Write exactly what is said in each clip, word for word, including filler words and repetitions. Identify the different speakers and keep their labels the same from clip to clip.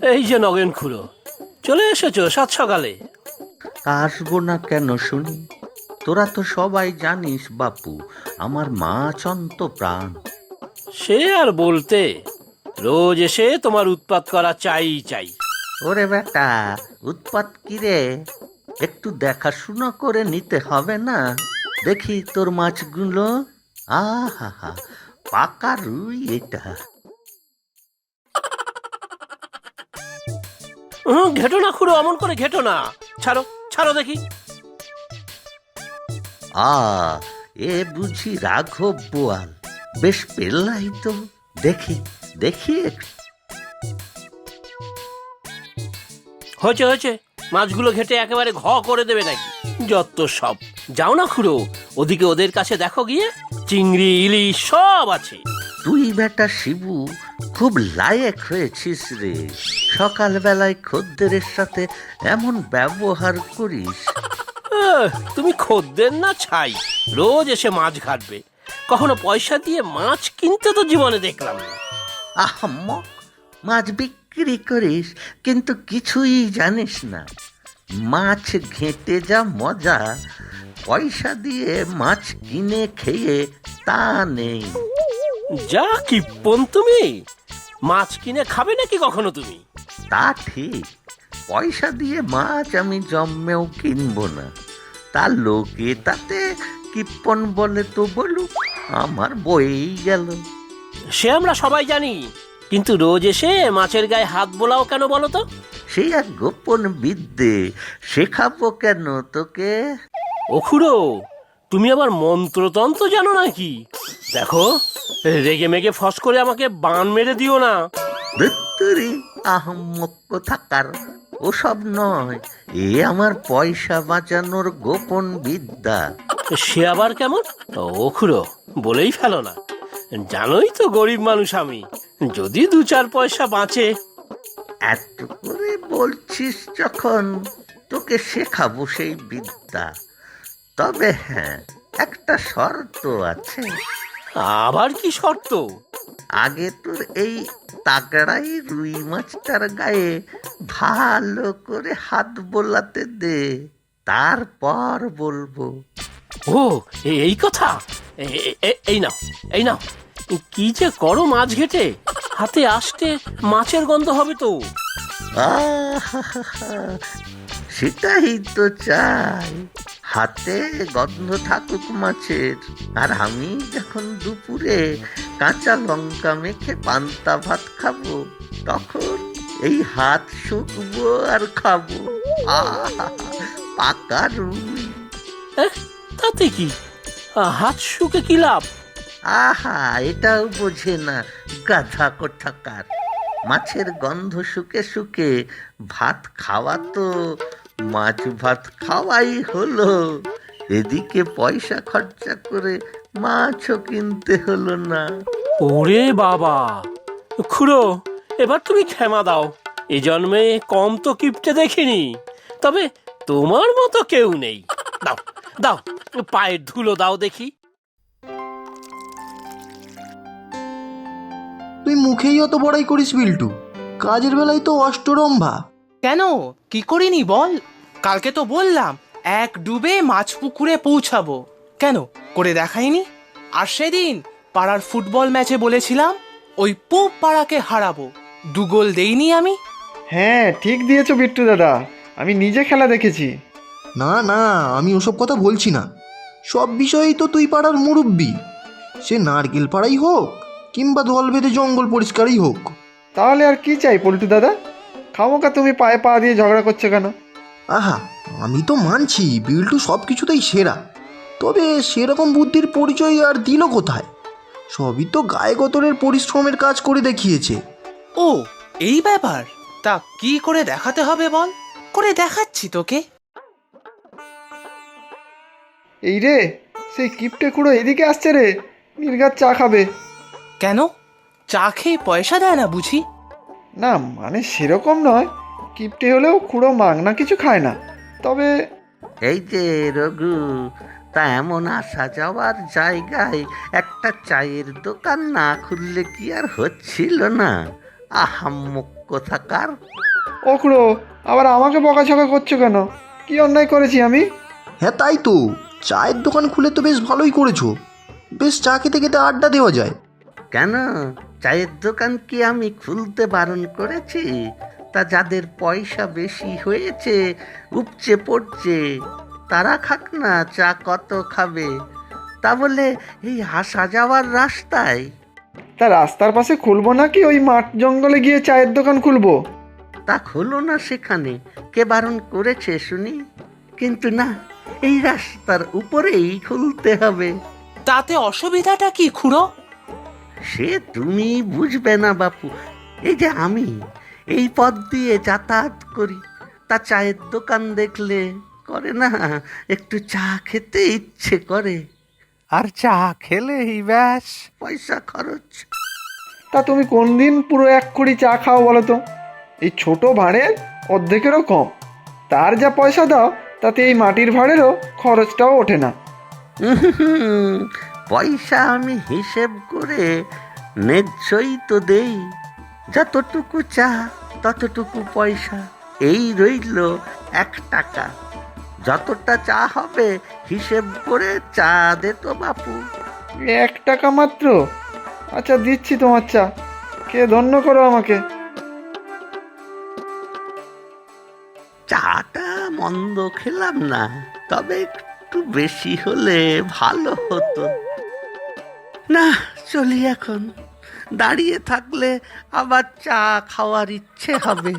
Speaker 1: এই যে নগেন খুড়ো, চলে এসেছো সাত সকালে?
Speaker 2: আসবো না কেন শুনি? তোরা তো সবাই জানিস বাপু, আমার মাছ অন্ত প্রাণ।
Speaker 1: সে আর বলতে, রোজ এসে তোমার উৎপাত করা চাই চাই।
Speaker 2: ওরে বেটা, উৎপাত কিরে? একটু দেখাশুনো করে নিতে হবে না? দেখি তোর মাছগুলো। আহা হা, পাকা রুই এটা।
Speaker 1: হুম, ঘেটো না খুড়ো, অমন করে ঘেটো না। ছাড়ো ছাড়ো দেখি।
Speaker 2: আ এ বুঝি রাঘব বোয়াল? বেশ পেল্লাই তো। দেখি দেখি একটু।
Speaker 1: হয়েছে হয়েছে, মাছগুলো ঘেটে একেবারে ঘ করে দেবে নাকি? যত সব। যাও না খুড়ো, ওদিকে ওদের কাছে দেখো গিয়ে, চিংড়ি ইলিশ সব আছে।
Speaker 2: তুই বেটা শিবু, খুব লায়েক হয়েছিস রে। সকালবেলায় খদ্দেরের সাথে এমন ব্যবহার করিস।
Speaker 1: আহ, তুমি খদ্দের না ছাই, রোজ এসে মাছ ঘাটবে। কখনো পয়সা দিয়ে মাছ কিনতে তো জীবনে দেখলাম না।
Speaker 2: আহম্মক, মাছ বিক্রি করিস কিন্তু কিছুই জানিস না। মাছ ঘেঁটে যা মজা, পয়সা দিয়ে মাছ কিনে খেয়ে তা নেই।
Speaker 1: যা কিপ্পন তুমি! মাছ কিনে খাবে নাকি কখনো তুমি?
Speaker 2: তা ঠিক, পয়সা দিয়ে মাছ আমি জন্মেও কিনবো না। তা লোকে তাতে কিপ্পন বলে তো বলুক, আমার বয়েই গেল।
Speaker 1: সে আমরা সবাই জানি, কিন্তু রোজ এসে মাছের গায়ে হাত বোলাও কেন বলো তো?
Speaker 2: সেই এক গোপন বিদ্যে, শেখাবো কেন তোকে?
Speaker 1: ও খুড়ো, তুমি আবার মন্ত্রতন্ত্র জানো নাকি? দেখো, রেগে মেগে ফস করে আমাকে বান মেরে দিও না।
Speaker 2: ধুত্তুরি, আহম্মক কোথাকার! ওসব নয়, এ আমার পয়সা বাঁচানোর গোপন বিদ্যা।
Speaker 1: সে আবার কেমন? ও খুড়ো, বলেই ফেলো না। জানোই তো গরিব মানুষ আমি, যদি দু চার পয়সা বাঁচে।
Speaker 2: এত করে বলছিস যখন, তোকে শেখাবো সেই বিদ্যা। তবে হ্যাঁ, একটা শর্ত আছে।
Speaker 1: আবার কি শর্ত?
Speaker 2: আগে তোর এই তাগড়াই রুই মাছটার গায়ে ভালো করে হাত বোলাতে দে, তারপর বলবো।
Speaker 1: ও, এ- এই কথা! এ- এ- এ- এই নাও, এই নাও। কি যে করো মাছ ঘেটে, হাতে আসতে মাছের গন্ধ হবে তো।
Speaker 2: আহা, সেটাই তো চাই, হাতে গন্ধ থাকুক মাছের। আর আমি যখন দুপুরে কাঁচা লঙ্কা মেখে পান্তা ভাত খাবো, তখন এই হাত শুকবো আর খাবো। আহা, পাকা রুই।
Speaker 1: এহ, তাতে কি? আ, হাত শুকে কি লাভ?
Speaker 2: আহা, এটাও বোঝে না গাধা কোথাকার। মাছের গন্ধ শুকে শুকে ভাত খাওয়া তো মাছ ভাত খাওয়াই হলো। এদিকে পয়সা খরচা করে মাছও কিনতে হলো না।
Speaker 1: ওরে বাবা! খুড়ো, এবার তুমি ক্ষমা দাও। এ জন্মে কম তো কিপটে দেখিনি, তবে তোমার মতো কেউ নেই। দাও দাও, পায়ের ধুলো দাও দেখি।
Speaker 3: তুই মুখেই অত বড়াই করিস বিল্টু, কাজের বেলায় তো অষ্টরম্ভা।
Speaker 4: কেন, কি করিনি বল? কালকে তো বললাম এক ডুবে মাছ পুকুরে পৌঁছাবো। কেন, করে দেখাইনি? আর সেদিন পাড়ার ফুটবল ম্যাচে বলেছিলাম ওই পুব পাড়াকে হারাবো, দু গোল দেইনি আমি?
Speaker 5: হ্যাঁ, ঠিক দিয়েছো বিট্টু দাদা, আমি নিজে খেলা দেখেছি।
Speaker 3: না না, আমি ওসব কথা বলছি না। সব বিষয়েই তো তুই পাড়ার মুরব্বি, সে নারকেল পাড়াই হোক কিংবা দল বেঁধে জঙ্গল পরিষ্কারই হোক।
Speaker 5: তাহলে আর কি চাই পল্টু দাদা? খামোকা তুমি পায়ে পা দিয়ে ঝগড়া করছো কেন?
Speaker 3: আহা, আমি তো মানছি বিল্টু সব কিছুতেই সেরা, তবে সেরকম বুদ্ধির পরিচয় আর দিল কোথায়? সবই তো গায়ে গতরের পরিশ্রমের কাজ করে দেখিয়েছে।
Speaker 4: ও, এই ব্যাপার? তা কি করে দেখাতে হবে বল? করে দেখাচ্ছি তোকে।
Speaker 5: এই রে, সেই কিপটে খুঁড়ো এদিকে আসছে রে, নির্ঘাত চা খাবে।
Speaker 4: কেন, চা খেয়ে পয়সা দেয় না বুঝি?
Speaker 5: না মানে সেরকম নয়, কিপটে হলেও খুঁড়ো মাগনা কিছু খায় না। তবে
Speaker 2: এই যে রঘু, তা এমন আসা যাওয়ার জায়গায় একটা চায়ের দোকান না খুললে কি আর হচ্ছিল না? আহাম্মক কোথাকার।
Speaker 5: ও খুড়ো, আবার আমাকে বকাঝকা করছো কেন? কি অন্যায় করেছি আমি?
Speaker 3: হ্যাঁ তাই তো, চায়ের দোকান খুলে তো বেশ ভালোই করেছো। বেশ চা খেতে খেতে আড্ডা দেওয়া যায়।
Speaker 2: কেন, চায়ের দোকান কি আমি খুলতে বারণ করেছি? তা যাদের পয়সা বেশি হয়েছে, উপচে পড়ছে, তারা খাক না, চা কত খাবে। তা বলে এই আসা যাওয়ার রাস্তায়?
Speaker 5: তা রাস্তার পাশে খুলবো নাকি ওই মাঠ জঙ্গলে গিয়ে চায়ের দোকান খুলবো?
Speaker 2: তা খোলো না সেখানে, কে বারণ করেছে শুনি? কিন্তু না, এই রাস্তার উপরেই খুলতে হবে।
Speaker 4: তাতে অসুবিধাটা কি খুড়ো?
Speaker 2: সে তুমি বুঝবে না বাপু। এই যে আমি এই পথ দিয়ে যাতায়াত করি, তা চায়ের দোকান দেখলে করে না একটু চা খেতে ইচ্ছে করে।
Speaker 6: আর চা খেলেই ব্যাস।
Speaker 2: পয়সা খরচ।
Speaker 5: তা তুমি কোন দিন পুরো এক কুড়ি চা খাও বলো তো? এই ছোট ভাঁড়ের অর্ধেকেরও কম। তার যা পয়সা দাও তাতে এই মাটির ভাঁড়েরও খরচটাও ওঠে না।
Speaker 2: উহুহুম, পয়সা আমি হিসেব করে ন্যায্যই তো দেই। যতটুকু চা ততটুকু পয়সা। এই রইল এক টাকা। যতটা চা হবে হিসেব করে চা দে তো বাপু।
Speaker 5: এক টাকা মাত্র? আচ্ছা দিচ্ছি তোমার চা, কে ধন্য করো আমাকে।
Speaker 2: চাটা মন্দ খেলাম না, তবে একটু বেশি হলে ভালো হতো। না, চলি এখন। দাঁড়িয়ে থাকলে আবার চা খাওয়ার ইচ্ছে হবে।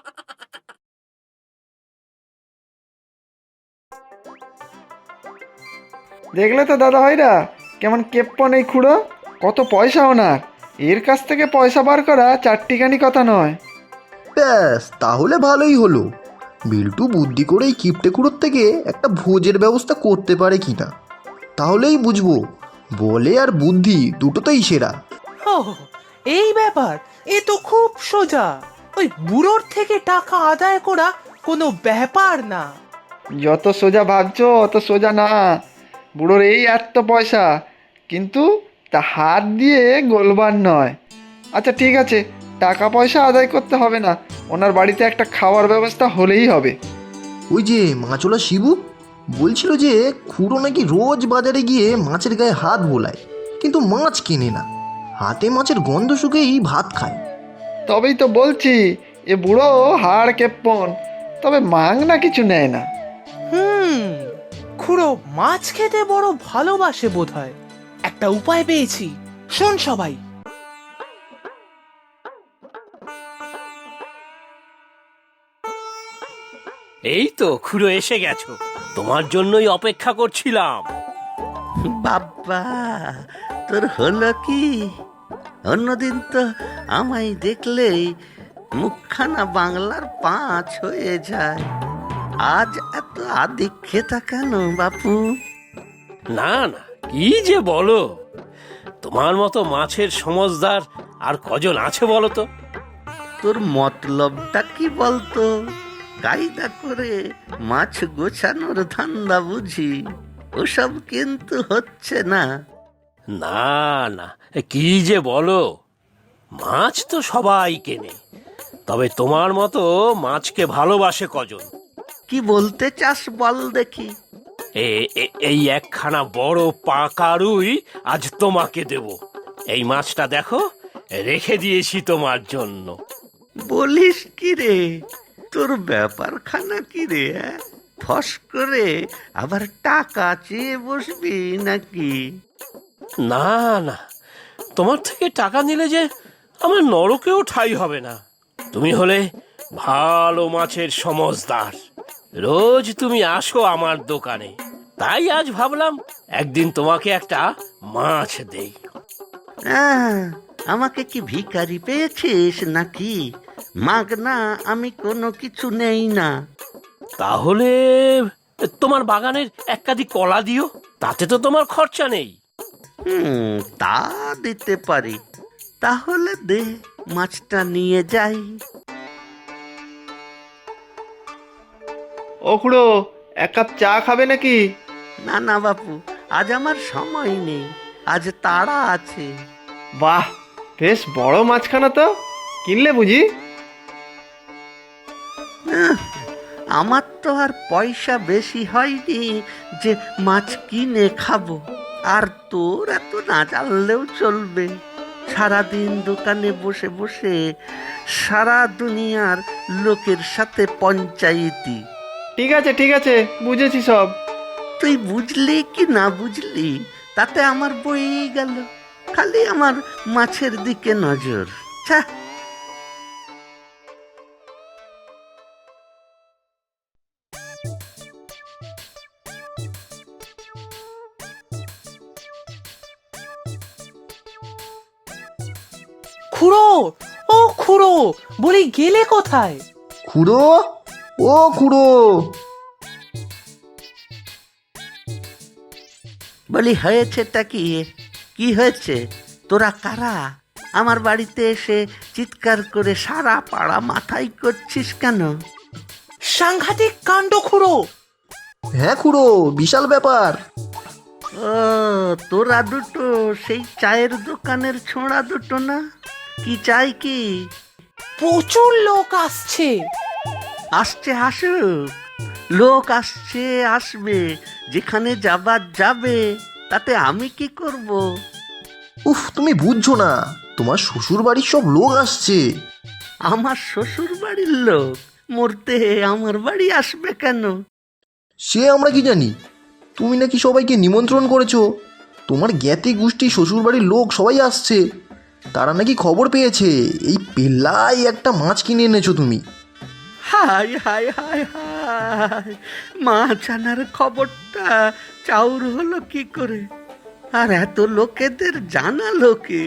Speaker 5: দেখলে তো দাদা ভাইরা, কেমন কেপ্পন এই খুড়ো। কত পয়সা ওনার। এর কাছ থেকে পয়সা বার করা চারটিখানি কথা নয়।
Speaker 3: ব্যাস তাহলে ভালোই হলো। বিল্টু বুদ্ধি করে এই কিপটে কুড়োর থেকে একটা ভোজের ব্যবস্থা করতে পারে কিনা। তাহলেই বুঝবো বলে আর বুদ্ধি দুটোতেই সেরা।
Speaker 4: ও, এই ব্যাপার। এ তো খুব সোজা। ওই বুড়োর থেকে টাকা আদায় করা কোনো ব্যাপার না।
Speaker 5: যত সোজা ভাবছো অত সোজা না। বুড়োর এই এত পয়সা, কিন্তু তা হাত দিয়ে গোলবার নয়। আচ্ছা ঠিক আছে, টাকা পয়সা আদায় করতে হবে না, ওনার বাড়িতে একটা খাওয়ার ব্যবস্থা হলেই হবে।
Speaker 3: ওই যে মাছওয়ালা শিবু বলছিল যে খুড়ো নাকি রোজ বাজারে গিয়ে মাছের গায়ে হাত বোলায়, কিন্তু মাছ কেনে না। হাতে মাছের গন্ধ শুকেই ভাত খায়।
Speaker 5: তবেই তো বলছি, এ বুড়ো হাড় কেপ্পন, তবে মাংনা কিছু নেয় না।
Speaker 4: হুম, খুড়ো মাছ খেতে বড় ভালোবাসে বোধহয়। একটা উপায় পেয়েছি, শোন সবাই।
Speaker 1: এই তো খুড়ো এসে গেছো, তোমার জন্যই অপেক্ষা করছিলাম।
Speaker 2: বাবা, তোর হলো কি? অন্যদিন তো আমায় দেখলেই মুখখানা বাংলার পাঁচ হয়ে যায়। আজ এত আদিক্ষেতা কেন বাপু?
Speaker 1: না না, কি যে বলো, তোমার মতো মাছের সমজদার আর কজন আছে বলো তো?
Speaker 2: তোর মতলবটা কি বলতো? কায়দা করে মাছ গোছানোর ধান্দা বুঝি? ওসব কিন্তু হচ্ছে না।
Speaker 1: না না, কি যে বলো, মাছ তো সবাই কেনে, তবে তোমার মতো মাছকে ভালোবাসে কজন?
Speaker 2: কি বলতে চাস বল দেখি।
Speaker 1: এ- এ- এই একখানা বড় পাকা রুই আজ তোমাকে দেব। এই মাছটা দেখো, রেখে দিয়েছি তোমার জন্য।
Speaker 2: বলিস কি রে? তোর ব্যাপারখানা কি রে? অ্যাঁ? ফস করে আবার টাকা চেয়ে বসবি নাকি?
Speaker 1: না না, তোমার থেকে টাকা নিলে যে আমার নরকেও ঠাঁই হবে না। তুমি হলে ভালো মাছের সমজদার, রোজ তুমি আসো আমার দোকানে, তাই আজ ভাবলাম একদিন তোমাকে একটা মাছ দেই।
Speaker 2: আহ, আমাকে কি ভিখারি পেয়েছিস নাকি? মাগনা আমি কোনো কিছু নেই না।
Speaker 1: তাহলে তোমার বাগানের এক কাঁদি কলা দিও, তাতে তো তোমার খরচা নেই।
Speaker 2: হুম, তা দিতে পারি। তাহলে দে, মাছটা নিয়ে যাই।
Speaker 5: ও খুড়ো, এক কাপ চা খাবে নাকি?
Speaker 2: না না বাপু, আজ আমার সময় নেই, আজ তাড়া আছে।
Speaker 5: বাহ, বেশ বড় মাছখানা তো। কিনলে বুঝি?
Speaker 2: আহ, আমার তো আর পয়সা বেশি হয়নি যে মাছ কিনে খাবো। আর তোর এত না জানলেও চলবে। সারাদিন দোকানে বসে বসে সারা দুনিয়ার লোকের সাথে পঞ্চায়েতি।
Speaker 5: ঠিক আছে ঠিক আছে, বুঝেছি সব।
Speaker 2: তুই বুঝলি কি না বুঝলি তাতে আমার বই গেল। খালি আমার মাছের দিকে নজর। ছ্যা।
Speaker 4: খুড়ো, ও খুড়ো, বলি গেলে কোথায়?
Speaker 3: খুড়ো, ও খুড়ো।
Speaker 2: বলি হয়েছেটা কি? কি হয়েছে? তোরা কারা? আমার বাড়িতে এসে চিৎকার করে সারা পাড়া মাথায় করছিস কেন?
Speaker 4: সাংঘাতিক কাণ্ড খুড়ো।
Speaker 3: হ্যাঁ খুড়ো, বিশাল ব্যাপার।
Speaker 2: ও, তোরা দুটো সেই চায়ের দোকানের ছোঁড়া দুটো না? কি চাই কি?
Speaker 4: প্রচুর লোক আসছে।
Speaker 2: আসছে আসুক, লোক আসছে আসবে, যেখানে যাবার যাবে, তাতে আমি কি করব?
Speaker 3: উফ, তুমি বুঝছো না, তোমার শ্বশুর বাড়ির সব লোক আসছে।
Speaker 2: আমার শ্বশুর বাড়ির লোক মরতে আমার বাড়ি আসবে কেন?
Speaker 3: সে আমরা কি জানি, তুমি নাকি সবাইকে নিমন্ত্রণ করেছো। তোমার জ্ঞাতি গোষ্ঠী শ্বশুর বাড়ির লোক সবাই আসছে। তারা নাকি খবর পেয়েছে এই পেল্লাই একটা মাছ কিনে এনেছো তুমি।
Speaker 2: হাই হাই হাই হাই, মাছ আনার খবরটা চাউর হলো কি করে? আর এত লোকেদের জানালো কে?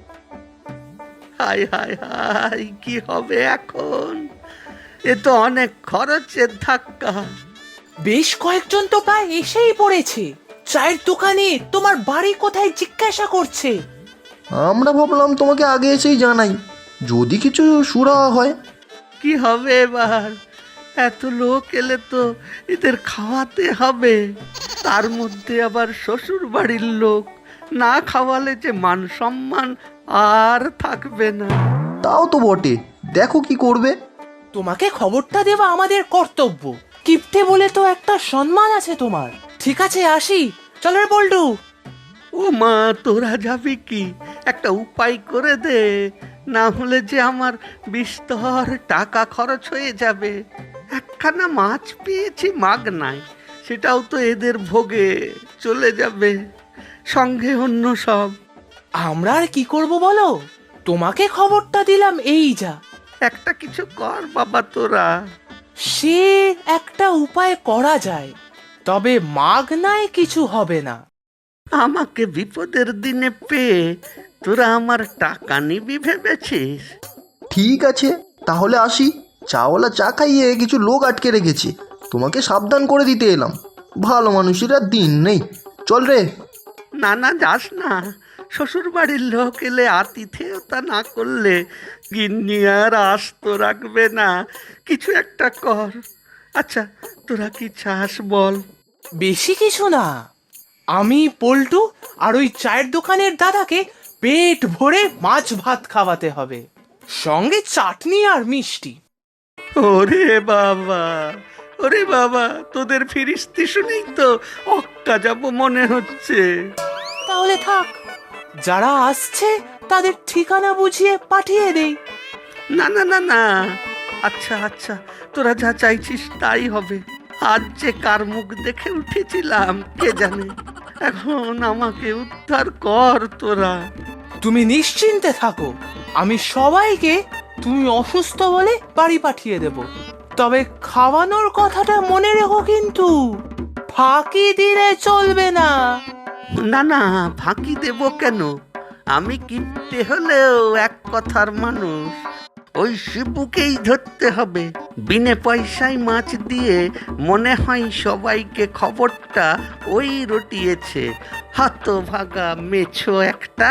Speaker 2: হাই হাই হাই, কি হবে এখন? এ তো অনেক খরচের ধাক্কা।
Speaker 4: বেশ কয়েকজন তো প্রায় এসেই পড়েছে। চায়ের দোকানে তোমার বাড়ি কোথায় জিজ্ঞাসা করছে।
Speaker 3: আমরা ভাবলাম তোমাকে আগে এসেই জানাই, যদি কিছু সুরাহা হয়।
Speaker 2: কি হবে এবার? এত লোক এলে তো এদের খাওয়াতে হবে। তার মধ্যে আবার শ্বশুর বাড়ির লোক, না খাওয়ালে যে মান সম্মান আর থাকবে না।
Speaker 3: তাও তো বটে, দেখো কি করবে।
Speaker 4: তোমাকে খবরটা দেওয়া আমাদের কর্তব্য। কিপ্টে বলে তো একটা সম্মান আছে তোমার। ঠিক আছে, আসি। চলো রে বল্টু।
Speaker 2: ও মা, তোরা যাবি কি? একটা উপায় করে দে, না হলে যে আমার বিস্তর টাকা খরচ হয়ে যাবে। একখানা মাছ পেয়েছি মাগনায়, সেটাও তো এদের ভোগে চলে যাবে, সঙ্গে অন্য সব।
Speaker 4: আমরা আর কি করব বলো? তোমাকে খবরটা দিলাম, এই যা।
Speaker 2: একটা কিছু কর বাবা তোরা।
Speaker 4: সে একটা উপায় করা যায়, তবে মাগনায় কিছু হবে না।
Speaker 2: আমাকে বিপদের দিনে পেয়ে তোরা আমার টাকা নিবি ভেবেছিস?
Speaker 3: ঠিক আছে, তাহলে আসি। চাওয়ালা চা খাইয়ে কিছু লোক আটকে রেখেছে, তোমাকে সাবধান করে দিতে এলাম। ভালো মানুষের আর দিন নেই, চল রে।
Speaker 2: না না, যাস না। শ্বশুর বাড়ির লোক এলে আতিথেয়তা না করলে গিন্নি আর আস্ত রাখবে না। কিছু একটা কর। আচ্ছা, তোরা কি চাস বল?
Speaker 4: বেশি কিছু না, আমি পল্টু আর ওই চায়ের দোকানের দাদাকে পেট ভরে মাছ ভাত খাওয়াতে হবে, সঙ্গে চাটনি আর মিষ্টি।
Speaker 2: ওরে বাবা, ওরে বাবা, তোদের ফিরিস্তি শুনেই তো অক্কা যাব মনে হচ্ছে।
Speaker 4: তাহলে থাক, যারা আসছে তাদের ঠিকানা বুঝিয়ে পাঠিয়ে দেই।
Speaker 2: না না না না, আচ্ছা আচ্ছা, তোরা যা চাইছিস তাই হবে। আজ যে কার মুখ দেখে উঠেছিলাম কে জানে। এখন আমাকে উদ্ধার কর তোরা।
Speaker 4: তুমি নিশ্চিন্তে থাকো, আমি সবাইকে তুমি অসুস্থ বলে বাড়ি পাঠিয়ে দেব। তবে খাওয়ানোর কথাটা মনে রেখো কিন্তু, ফাঁকি দিলে চলবে না।
Speaker 2: না না, ফাঁকি দেব কেন? আমি কিনতে হলেও এক কথার মানুষ। ওই শিবুকেই ধরতে হবে। বিনে পয়সায় মাছ দিয়ে মনে হয় সবাইকে খবরটা ওই রটিয়েছে। হতভাগা মেছো একটা।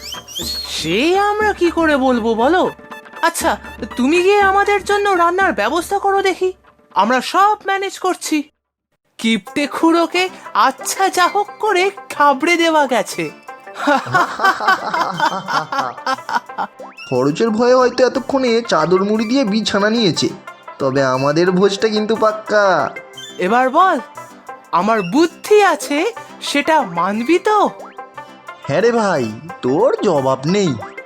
Speaker 4: সে আমরা কি করে বলবো বলো? আচ্ছা, তুমি গিয়ে আমাদের জন্য রান্নার ব্যবস্থা করো দেখি, আমরা সব ম্যানেজ করছি। কিপ্টে খুড়োকে আচ্ছা যা হোক করে খাবড়ে দেওয়া গেছে।
Speaker 3: খরচের ভয়ে হয়তো এতক্ষণে চাদর মুড়ি দিয়ে বিছানা নিয়েছে, তবে আমাদের ভোজটা কিন্তু পাক্কা।
Speaker 4: এবার বল, আমার বুদ্ধি আছে সেটা মানবি তো?
Speaker 3: হ্যাঁ রে ভাই, তোর জবাব নেই।